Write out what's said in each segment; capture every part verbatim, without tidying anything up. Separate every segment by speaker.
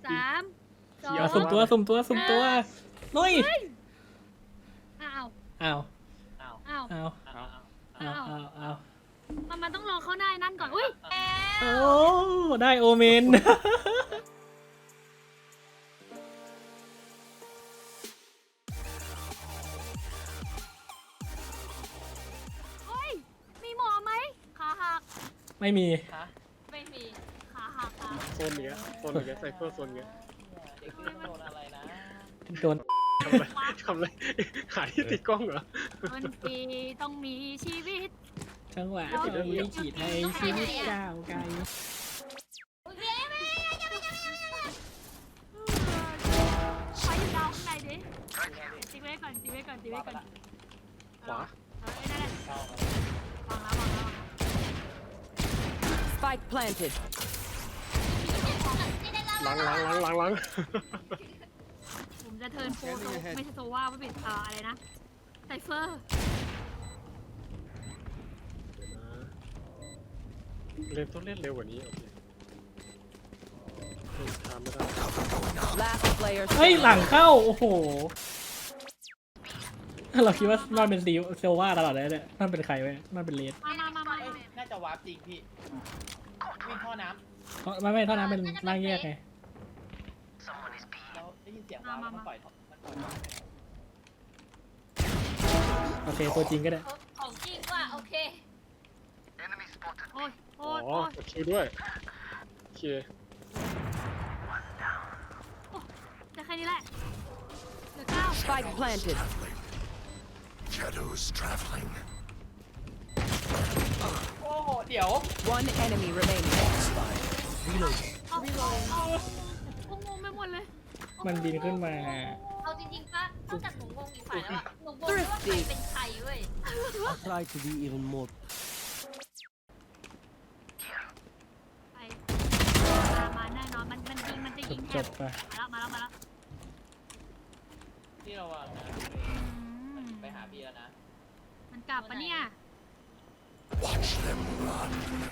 Speaker 1: สามสอง
Speaker 2: เอาสุ่มตัวสุ่มตัวสุ่มตัวลุย
Speaker 1: อ้าว
Speaker 2: อ้าว
Speaker 3: อ้าว
Speaker 1: อ้าว
Speaker 2: อ้าว
Speaker 3: อ้าว
Speaker 2: อ้าวอ้าวอ้าว
Speaker 1: มันมันต้องรอเข้าได้นั่นก่อนอุ้ย
Speaker 2: โอ้ได้โอเมน
Speaker 1: เฮ้ยมีหมอไหมขาหัก
Speaker 2: ไม่มี
Speaker 3: ฮะ
Speaker 1: ไม่มีขาหักค่ะ
Speaker 4: โซนเนี้ยโซนเนี้ยไซเฟอร์โซนเนี้ย
Speaker 3: เด็กเล่นโดนอะไรนะ
Speaker 2: โดน
Speaker 4: ทำอะไรทำอะไรหาที่ติดกล้องเหรอ
Speaker 1: คนดีต้องมีชีวิต
Speaker 2: จังหวะที่ขีดให้ชีวิตก้าวไกล
Speaker 1: ไปอยู่ดาวข้างในดิตีไว้ก่อนตีไว้ก่อนตีไว้ก่อน
Speaker 4: ขวา
Speaker 1: เออนั่นแหละ
Speaker 3: เข้ามา
Speaker 1: วางแล้ววางแล้ว
Speaker 5: Spike planted.
Speaker 4: ล้างล้างล้างล้างล้าง
Speaker 1: ผมจะเทิร์นโฟโซไม่ใช่โซว่าไม่เป็นเอ่ออะไรนะไซเฟอร์
Speaker 4: เล่นต้องเล่นเร็วกว่านี้โอเคเล่นช้าไม่ได้
Speaker 5: Last player
Speaker 2: เฮ้ย
Speaker 5: standing.
Speaker 2: หลังเข้าโอ้โหเราคิดว่ามันเป็นซีเซลว่าตลอดเลยเนี่ยมันเป็นใครไว้มันเป็นเลส
Speaker 1: มามามามา
Speaker 3: เอ้ยน่าจะวาร์ปจริงพี่วิ่งท่อน้
Speaker 2: เพราะไม่ไม่เท่านั้นเป็นร่างแยกไง
Speaker 3: ำแล้วได้ยินเสียงวาร์ปแล้วมันปล่อยท่อมันปล่อยท่อ
Speaker 2: โอเคตัวจริงก็ได้
Speaker 6: ของจริงว่ะโอเค
Speaker 1: โอ้ยโอ้
Speaker 4: อ๋อย
Speaker 1: โอ้ย
Speaker 4: กดคิวด้วยโอเค
Speaker 1: จะแค่นี้แหละเหลือเก้า
Speaker 5: Spike planted.
Speaker 7: Shadows traveling.
Speaker 3: โอ้โหเดี๋ยว
Speaker 5: One enemy remaining.
Speaker 1: เอาเอาโอ้งงไปหมดเลย
Speaker 2: มันบินขึ้นมา
Speaker 6: เอาจริงๆป่ะนอกจากหนูงงอีกฝ่ายแล้วอะหนูงงด้วยว่าใครเป็นใครเว้ย
Speaker 7: I'll try to be even more.
Speaker 1: ไปมามาแน่นอนมันมันยิงมันจะยิงแท
Speaker 2: จ
Speaker 1: บบ
Speaker 2: ไป
Speaker 1: มาแล้วมาแล้วมาแล้ว
Speaker 3: ที่เราวางนะ
Speaker 1: อืม
Speaker 3: ไปหาพี่แล้วนะ
Speaker 1: มันกลับปะเนี่ย
Speaker 7: Watch them run.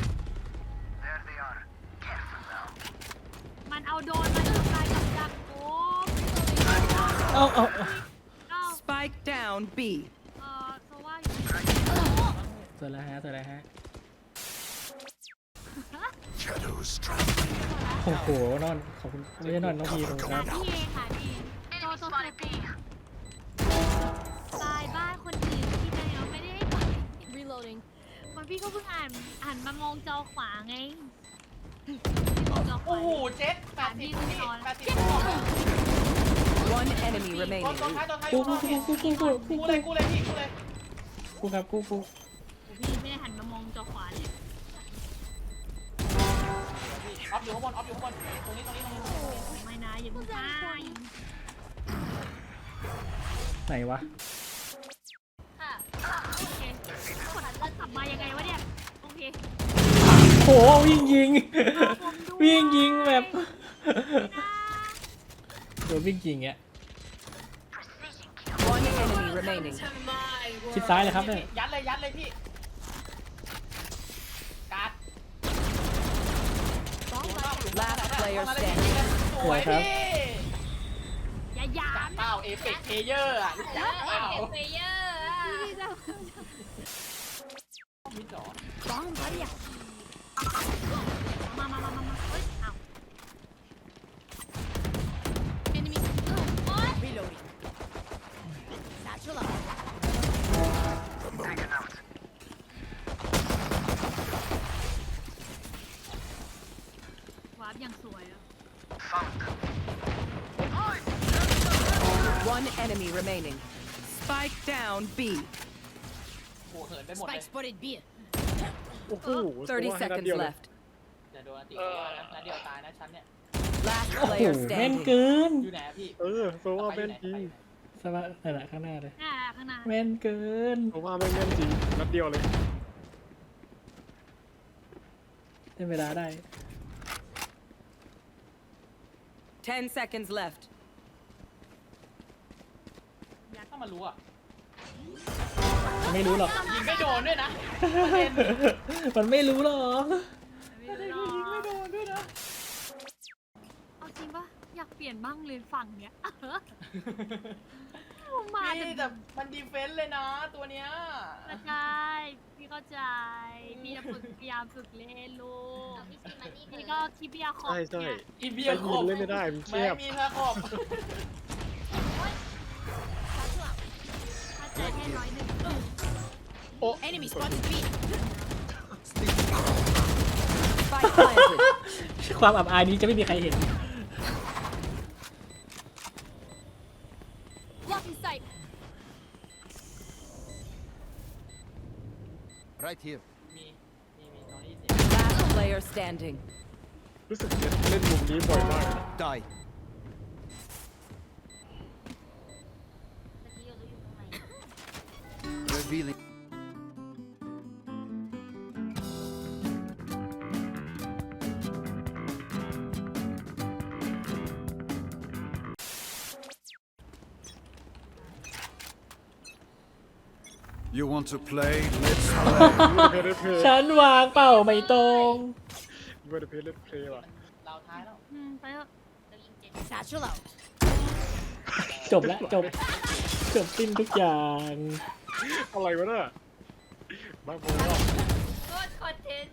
Speaker 1: มันเอาโดรนมาทำลายกับดักโอ้
Speaker 2: เอาเอาเอา
Speaker 1: เก้า
Speaker 5: Spike down B.
Speaker 1: เออโซว่าอยู่
Speaker 2: สวยแล้วฮะสวยแล้วฮะ
Speaker 7: Shadows traveling.
Speaker 2: โอ้โหนอนขอบคุณไม่ใช่นอนน้องพีผมครับ
Speaker 1: พี่เองค่ะพี่โตโตเซปีตายบ้านคนอื่นที่ไหนเราไม่ได้ให้ไป
Speaker 6: reloading
Speaker 1: มันพี่ก็เพิ่งอ่านอ่านมามองจอขวาไงมองจอข
Speaker 3: โอ้
Speaker 1: วา
Speaker 3: โหเจ็ดแปดสิบพี่แปดสิบ
Speaker 5: One enemy
Speaker 3: ตัว
Speaker 5: remaining.
Speaker 3: ตัวท้ายตัวท้าย
Speaker 2: กู
Speaker 3: อยู่
Speaker 2: กู
Speaker 3: ข้างนอก
Speaker 2: กูกูกูกู
Speaker 3: กูเลยกูเลยพี่กูเลย
Speaker 2: กูครับกูกู
Speaker 1: พี่ไม่ได้หันมามองจอขวาเลย
Speaker 3: ออฟอยู่ข้างบนออฟอยู่ข้างบนตรงนี้ตรงนี้ตรงนี้
Speaker 1: ไม่นะอย่าเพิ่งฆ่า
Speaker 2: ไหนวะ
Speaker 6: ค่ะ
Speaker 1: โอเคกดแล้วขับมายังไงวะเนี่ยโอเค
Speaker 2: โหวิ่งยิง
Speaker 1: ผมด้วย
Speaker 2: วิ่งยิงแบบโดนวิ่งยิงเงี้ย
Speaker 5: One enemy remaining.
Speaker 2: ชิดซ้ายเลยครับเนี่ย
Speaker 3: ยัดเลยยัดเลยพี่การ์ด
Speaker 5: Last player
Speaker 3: มาเลย
Speaker 5: standing.
Speaker 3: สวยพี่
Speaker 1: อย่าหยา
Speaker 3: จาก
Speaker 1: บ
Speaker 3: เป้าเอเปกเพเยอร์อ่ะรู้
Speaker 6: เอ
Speaker 3: จัก
Speaker 6: อ
Speaker 3: เปล่า
Speaker 6: เอฟเฟเยอร์อะ
Speaker 3: มิดเหรอ
Speaker 1: บ้องเขาเนี่ยมามามามามาเฮ้ยอ้าว
Speaker 6: enemy โอ๊ย
Speaker 5: Reloading.
Speaker 6: satchel up
Speaker 1: วาร์ปอย่างสวยอะ
Speaker 5: One enemy remaining. Spike down B.
Speaker 3: โอ้โหเหินไปหมดเลย
Speaker 6: spike spotted B
Speaker 4: โอ้โห
Speaker 5: Thirty
Speaker 4: ให้นัด
Speaker 5: seconds
Speaker 4: เดียวเลย
Speaker 5: left.
Speaker 3: เดี๋ยวโดนอันติเขาว่านะนัดเดียวตายนะฉันเนี่ย
Speaker 5: Last
Speaker 2: โอ้โห
Speaker 5: player
Speaker 2: แม่น
Speaker 5: standing.
Speaker 2: เกิน
Speaker 3: อยู่ไหนอะพี่
Speaker 4: เออโซว่า
Speaker 3: ไปอ
Speaker 4: แม่
Speaker 3: ยู่
Speaker 4: น
Speaker 3: ไหน
Speaker 4: จริง
Speaker 2: สบายนั่นแหละข้างหน้าเลย
Speaker 1: น่าข้างหน้า
Speaker 2: แม่นเกิน
Speaker 4: โซว่าแม่งแม่นจริงนัดเดียวเลย
Speaker 2: ได้เวลาได้
Speaker 5: Ten seconds left.
Speaker 3: ถ้ามันรู้อ่ะ
Speaker 2: ไม่รู้หรอก
Speaker 3: ยิงไม่โดนด้วยนะ
Speaker 2: มันไม่รู้หรอก
Speaker 1: ไม่รู้หรอก
Speaker 3: ไม่โดนด้วยนะ
Speaker 1: เอาจริงปะอยากเปลี่ยนบ้างเลยฝั่งเนี้ยมา
Speaker 3: พี่
Speaker 1: แต่
Speaker 3: แต่มันดีเฟนส์เลยนะตัวเนี้ย
Speaker 1: เข้าใจพี่เข้าใจพี่จะฝึกพยายามฝึกเล่นลูก
Speaker 6: เอาพี่ซีมานี่
Speaker 1: พี่ก็คิดเบียร์ขอบ
Speaker 4: ใช่ใช่
Speaker 1: เนี่ย
Speaker 3: อีเบี
Speaker 4: เบี
Speaker 3: ย
Speaker 4: ย
Speaker 3: ร์
Speaker 4: ร์
Speaker 3: ข
Speaker 4: ค
Speaker 3: บ
Speaker 4: เล่นไม่ได้มัน
Speaker 3: ไม่
Speaker 4: แคบ
Speaker 3: มีเธอขบ
Speaker 1: ถ้าใจแค่ร้อยหนึ่ง
Speaker 4: โอ้
Speaker 5: Enemy spotted B. Spike planted.
Speaker 2: ความอับอายนี้จะไม่มีใครเห็น
Speaker 1: Blocking sight
Speaker 7: Right here.
Speaker 3: มีมีมีตอนนี้เสีย
Speaker 5: Last player standing.
Speaker 4: รู้สึกเล่นเล่นมุมนี้บ่อยมากเลยนะ
Speaker 7: Die.
Speaker 6: เมื่อกี้เราอยู่ตรงไหน
Speaker 7: Revealing. You want to play? Let's play.
Speaker 4: เพลย์เล่นเพลย์
Speaker 2: ฉันวางเป้าไม่ตรง
Speaker 4: ไม่ได้เพลย์เล่นเพลย์ว่ะ
Speaker 3: เราท้ายแล้ว
Speaker 1: อืมไปเถอะ
Speaker 6: เรายิงเจ็ด
Speaker 5: Satchel out.
Speaker 2: จบแล้วจบ จบสิ้นทุกอย่าง
Speaker 4: อะไรวะน่ะบ้าบอ
Speaker 6: โคตรคอนเทนต์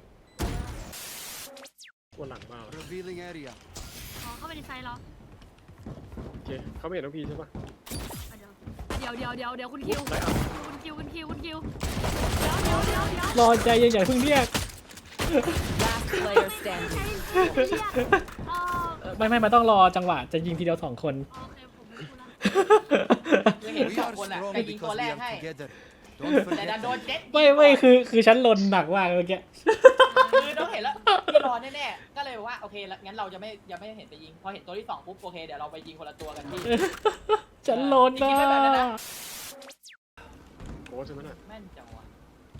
Speaker 4: วันหลังมาก
Speaker 7: Revealing area.
Speaker 1: อ๋อเข้าไปในไซต์เหรอ
Speaker 4: โอเคเขาไม่เห็นน้องพีใช่ปะ
Speaker 1: อ่ะเดี๋ยวเดี๋ยวเดี๋ยวเดี๋ยวคุณคิว
Speaker 4: ได้อ่ะ
Speaker 1: คุณคิวคุณคิวคุณคิวเดี๋ยวเดี๋ยวเดี๋ยวเดี๋ยว
Speaker 2: รอใจเย็นอย่าเพิ่งเรียก
Speaker 5: Last player standing.
Speaker 1: อ๋อ
Speaker 2: เอ่อไม่ไม่มันต้องรอจังหวะจะยิงทีเดียวสองคน
Speaker 1: โอเคผมรู้ละ
Speaker 3: คือเห็น
Speaker 7: We
Speaker 3: สอง
Speaker 7: are
Speaker 3: คนอ่ะ
Speaker 7: strong
Speaker 3: แต่ยิงตัว
Speaker 7: because
Speaker 3: แร
Speaker 7: we
Speaker 3: กให้
Speaker 7: are together. Don't
Speaker 3: แต่ดัน
Speaker 7: forget
Speaker 3: โดน
Speaker 7: that.
Speaker 3: เจ็ด
Speaker 2: ไม่ไม่คือคือฉันลนหนักมากเมื่อกี้
Speaker 3: คือต้องเห็นแล้วพี่รอแน่ๆก็เลยว่าโอเคแล้วงั้นเราจะไม่ยังไม่เห็นไปยิงพอเห็นตัวที่สองปุ๊บโอเคเดี๋ยวเราไปยิงคนละตัวกันพี่
Speaker 2: ฉันลน
Speaker 3: จริ
Speaker 2: นะ
Speaker 3: งๆไม่แบบนั้นนะ
Speaker 4: โอ้ใช่ไหมน่ะ
Speaker 3: แม่นจังวะ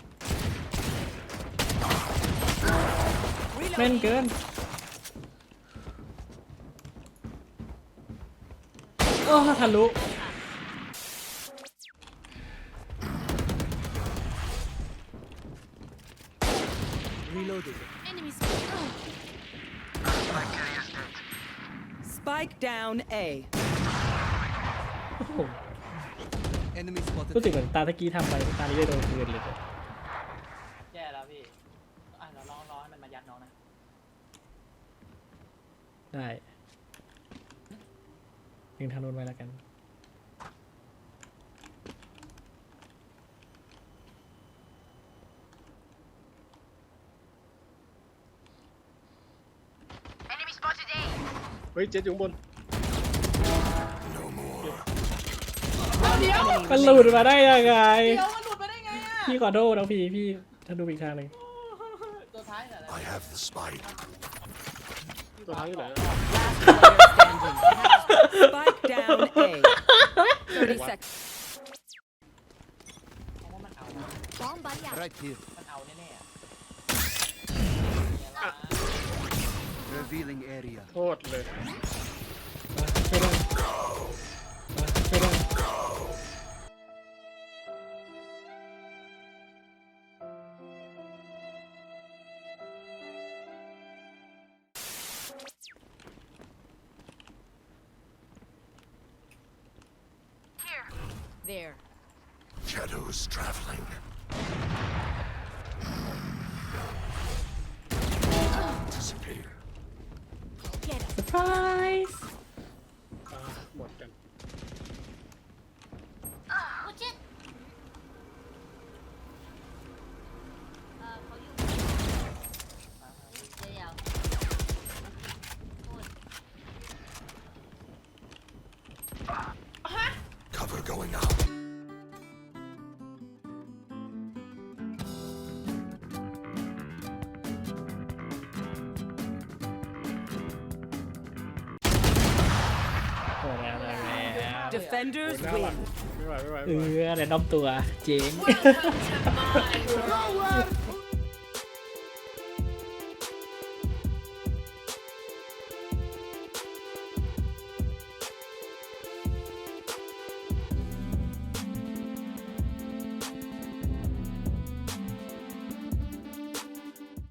Speaker 2: แม่นเกิน โอ้ทะลุ
Speaker 7: Reloading.
Speaker 1: enemy
Speaker 5: Spike down A.
Speaker 2: โอ้โห
Speaker 7: Enemy spotted.
Speaker 2: รู้สึกเหมือนตาตะกี้ทำไปตานี้ได้โดนคืนเลย
Speaker 3: แย่แล้วพี่อ่ะเราลองรอให้มันมายัดน้องนะ
Speaker 2: ได้ยิงทางโน้นไว้แล้วกัน
Speaker 4: เฮ้ยเจ็ดอยู่ข้างบน
Speaker 3: เดี๋ยว
Speaker 2: มันหลุดมาได้ยังไง
Speaker 3: เดี๋ยวมันหลุดไปได้ไงอ่ะ
Speaker 2: พี่ขอโทษนะพี่พี่ถ้าดูอีกทางหนึ่ง
Speaker 3: ตัวท้ายเหรอ
Speaker 7: I have the spike.
Speaker 4: ตัวท้ายอยู่ไหน
Speaker 5: Last player standing. Spike down A. thirty seconds.
Speaker 3: เพราะว่ามันเอา
Speaker 1: bomb buddy out
Speaker 7: Right here.
Speaker 3: มันเอาแน่ๆอะ
Speaker 7: Revealing area.
Speaker 4: โทษเลย
Speaker 2: มาช่วยด้วยมาช่วยด้วย
Speaker 5: There.
Speaker 7: Shadows traveling. Disappear.
Speaker 2: เซอร์ไพรส์
Speaker 4: อ่าหมดกัน
Speaker 6: โอ้เจ็ดเออเขาอยู่เดี๋ยวโคตร
Speaker 7: Cover going out.
Speaker 2: โอ้แล้วแล้วแล้ว
Speaker 5: Defenders
Speaker 4: หน้าหลัง
Speaker 5: win.
Speaker 4: ไม่ไหวไม่ไหว
Speaker 2: เอ
Speaker 4: ไม่ไหว
Speaker 2: อแต่น้อมตัวเจ๋ง
Speaker 1: Welcome to my world